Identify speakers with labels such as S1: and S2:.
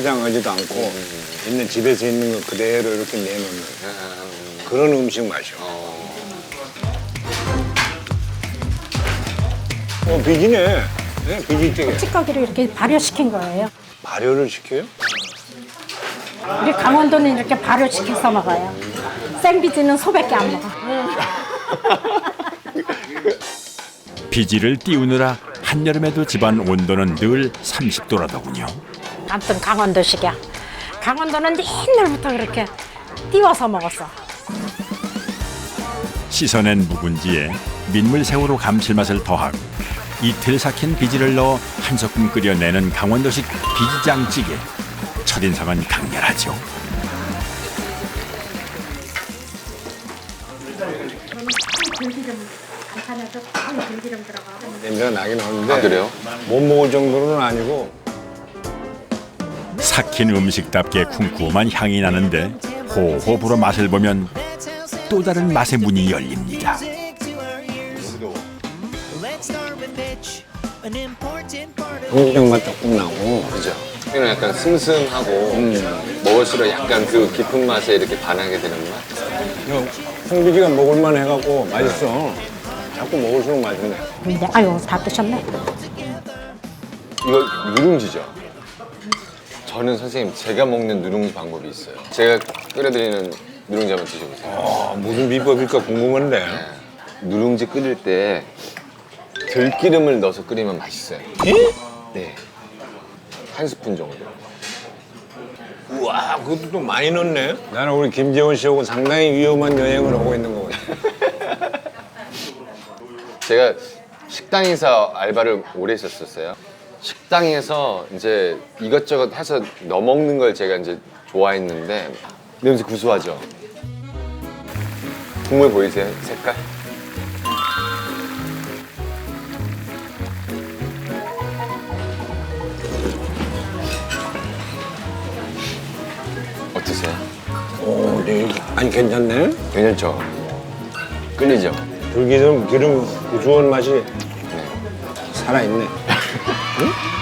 S1: 화장하지도 않고 있는 집에서 있는 거 그대로 이렇게 내놓는 그런 음식 맛이요. 비지네. 네, 비지찌개.
S2: 찌꺼기를 이렇게 발효시킨 거예요.
S1: 발효를 시켜요?
S2: 우리 강원도는 이렇게 발효시켜서 먹어요. 생비지는 소밖에 안 먹어.
S3: 비지를 띄우느라 한여름에도 집안 온도는 늘 30도라더군요.
S2: 아무튼 강원도식이야. 강원도는 옛날부터 그렇게 띄워서 먹었어.
S3: 씻어낸 묵은지에 민물새우로 감칠맛을 더하고 이틀 삭힌 비지를 넣어 한 소끔 끓여내는 강원도식 비지장찌개. 첫인상은 강렬하죠.
S1: 냄새가 나긴 하는데.
S4: 아, 그래요?
S1: 못 먹을 정도는 아니고.
S3: 삭힌 음식답게 쿰쿰한 향이 나는데 호호 불어 맛을 보면 또 다른 맛의 문이 열립니다.
S1: 청국장 맛 조금 나고.
S4: 그죠? 이는 약간 슴슴하고 먹을수록 약간 그 깊은 맛에 이렇게 반하게 되는 맛.
S1: 홍비지가 먹을만 해갖고 맛있어. 자꾸 먹을수록 맛있네.
S2: 근데 아유 다 드셨네.
S4: 이거 누룽지죠? 저는 선생님 제가 먹는 누룽지 방법이 있어요. 제가 끓여드리는 누룽지 한번 드셔보세요.
S1: 무슨 비법일까 궁금한데.
S4: 누룽지 끓일 때 들기름을 넣어서 끓이면 맛있어요. 네. 한 스푼 정도.
S1: 우와, 그것도 또 많이 넣네. 나는 우리 김재원 씨하고 상당히 위험한 여행을 하고 있는 거 같아.
S4: 제가 식당에서 알바를 오래 했었어요. 식당에서 이제 이것저것 해서 넣어 먹는 걸 제가 이제 좋아했는데 냄새 구수하죠? 국물 보이세요? 색깔? 어떠세요?
S1: 오, 네. 아니 괜찮네.
S4: 괜찮죠? 끌리죠?
S1: 들기름 기름 구수한 맛이
S4: 네.
S1: 살아있네. 응?